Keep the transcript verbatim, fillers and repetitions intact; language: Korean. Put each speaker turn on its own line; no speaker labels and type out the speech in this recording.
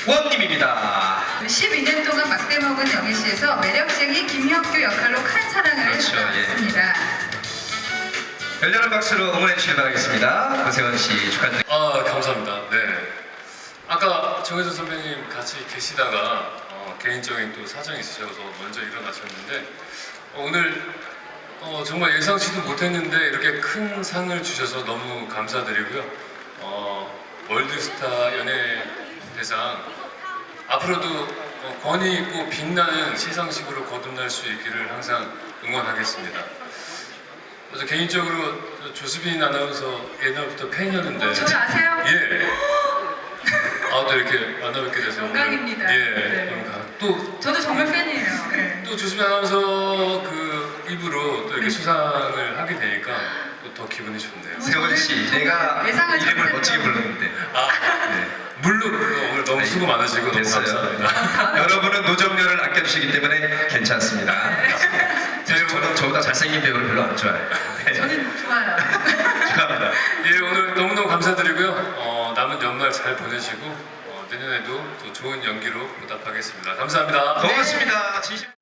김주원님입니다.
십이 년 동안 막대 먹은 영희씨에서 매력쟁이 김혁규 역할로 큰 사랑을
그렇죠,
받았습니다.
열렬한 박수로 응원해 주시길 바라겠습니다. 고세원 씨 축하드립니다.
아, 감사합니다. 네. 아까 정혜선 선배님 같이 계시다가 어, 개인적인 또 사정이 있으셔서 먼저 일어나셨는데 어, 오늘 어, 정말 예상치도 못했는데 이렇게 큰 상을 주셔서 너무 감사드리고요. 어, 월드스타 연예대상 앞으로도 어, 권위 있고 빛나는 시상식으로 거듭날 수 있기를 항상 응원하겠습니다. 그래서 개인적으로 조수빈 아나운서 옛날부터 팬이었는데
저를 아세요?
예. 아, 또 이렇게 만나뵙게 돼서
영광입니다.
예.
네.
영광. 또,
저도 정말 팬이에요. 네.
또 조수빈 아나운서 그 입으로 또 이렇게 수상을 하게 되니까 또 더 기분이 좋네요.
세원 씨, 내가
예상하지
이름을
못했던.
멋지게 불렀는데.
아, 네. 물론 물론 오늘 너무 수고 많으시고 너무
됐어요.
감사합니다.
여러분은 노정렬을 아껴주시기 때문에 괜찮습니다. 사실 저는 저보다 잘생긴 배우를 별로 안 좋아해요. 네.
저는 좋아요.
축하합니다.
예, 오늘 너무너무 감사드리고요. 어, 남은 연말 잘 보내시고 어, 내년에도 또 좋은 연기로 보답하겠습니다. 감사합니다.
고맙습니다. 진심...